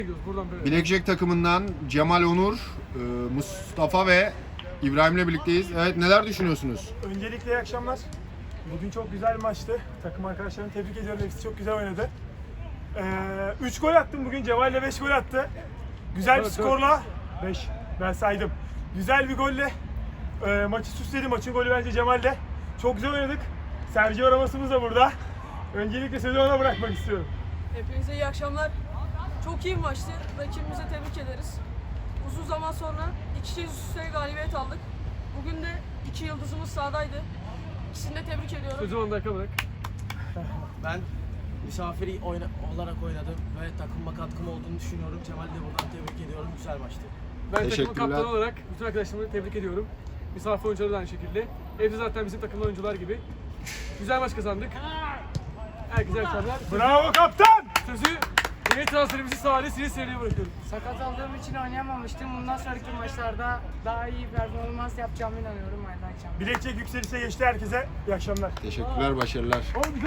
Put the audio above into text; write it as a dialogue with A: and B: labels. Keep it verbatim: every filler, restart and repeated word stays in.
A: Blackjack takımından Cemal Onur, Mustafa ve İbrahim'le birlikteyiz. Evet, neler düşünüyorsunuz?
B: Öncelikle iyi akşamlar. Bugün çok güzel bir maçtı. Takım arkadaşlarımı tebrik ediyorum. Hepsi çok güzel oynadı. üç gol attım bugün. Cemal ile beş gol attı. Güzel bir skorla. beş. Ben saydım. Güzel bir golle e, maçı süsledi. Maçın golü bence Cemal'de. Çok güzel oynadık. Sergio Ramos'umuz da burada. Öncelikle sözü ona bırakmak istiyorum.
C: Hepinize iyi akşamlar. Çok iyi bir maçtı. Rakibimize tebrik ederiz. Uzun zaman sonra iki kez üst üste galibiyet aldık. Bugün de iki yıldızımız sahadaydı. İkisini de tebrik ediyorum.
D: Sözü on dakika bırak.
E: Ben misafiri oyna olarak oynadım ve takıma katkım olduğunu düşünüyorum. Cemal'i de buradan tebrik ediyorum. Güzel maçtı.
D: Ben takımın
A: Teşekkürler.
D: kaptanı olarak bütün arkadaşlarımı tebrik ediyorum. Misafir oyuncuları da aynı şekilde. Hepsi zaten bizim takımda oyuncular gibi. Güzel maç kazandık. Herkese iyi akşamlar.
B: Bravo kaptan!
D: Sözü yeni transferimizi Salih Sivil Seri'ye bırakıyorum.
F: Sakat olduğum için oynayamamıştım. Bundan sonraki maçlarda daha iyi performans yapacağımı inanıyorum. Hayırlı akşamlar.
B: Blackjack yükselişe geçti herkese. İyi akşamlar.
A: Teşekkürler, başarılar.